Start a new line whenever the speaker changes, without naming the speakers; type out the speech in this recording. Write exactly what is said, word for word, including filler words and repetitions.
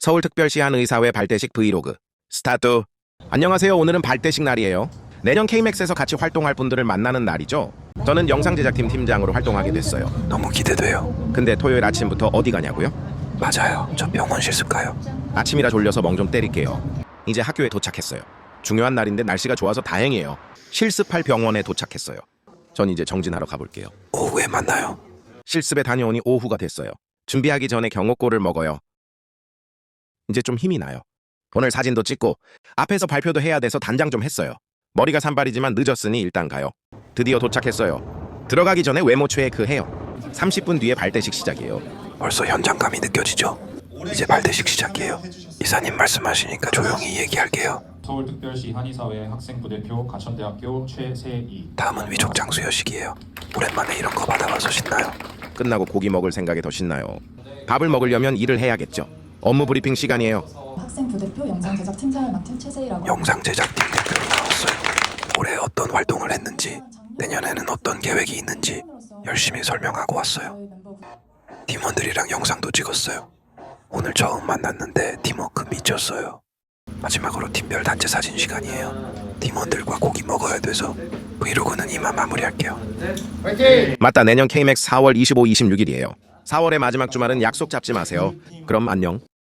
서울특별시 한 의사회 발대식 브이로그 스타트. 안녕하세요. 오늘은 발대식 날이에요. 내년 케이맥스에서 같이 활동할 분들을 만나는 날이죠. 저는 영상제작팀 팀장으로 활동하게 됐어요.
너무 기대돼요.
근데 토요일 아침부터 어디 가냐고요?
맞아요. 저 병원 실습 가요.
아침이라 졸려서 멍 좀 때릴게요. 이제 학교에 도착했어요. 중요한 날인데 날씨가 좋아서 다행이에요. 실습할 병원에 도착했어요. 전 이제 정진하러 가볼게요.
오후에 만나요.
실습에 다녀오니 오후가 됐어요. 준비하기 전에 경호골을 먹어요. 이제 좀 힘이 나요. 오늘 사진도 찍고 앞에서 발표도 해야 돼서 단장 좀 했어요. 머리가 산발이지만 늦었으니 일단 가요. 드디어 도착했어요. 들어가기 전에 외모 체크 해요. 삼십 분 뒤에 발대식 시작이에요.
벌써 현장감이 느껴지죠? 이제 발대식 시작이에요. 이사님 말씀하시니까 조용히 얘기할게요.
서울특별시 한의사회 학생부대표 가천대학교 최세희.
다음은 위촉장 수여식이에요. 오랜만에 이런 거 받아봐서 신나요.
끝나고 고기 먹을 생각에 더 신나요. 밥을 먹으려면 일을 해야겠죠. 업무 브리핑 시간이에요.
학생 부대표 영상 제작 팀장을 맡은 최세희라고
영상 제작팀 대표로 나왔어요. 올해 어떤 활동을 했는지, 내년에는 어떤 계획이 있는지 열심히 설명하고 왔어요. 팀원들이랑 영상도 찍었어요. 오늘 처음 만났는데 팀워크 미쳤어요. 마지막으로 팀별 단체 사진 시간이에요. 팀원들과 고기 먹어야 돼서 브이로그는 이만 마무리할게요.
맞다, 내년 케이맥스 사월 이십오, 이십육 일이에요. 사월의 마지막 주말은 약속 잡지 마세요. 그럼 안녕.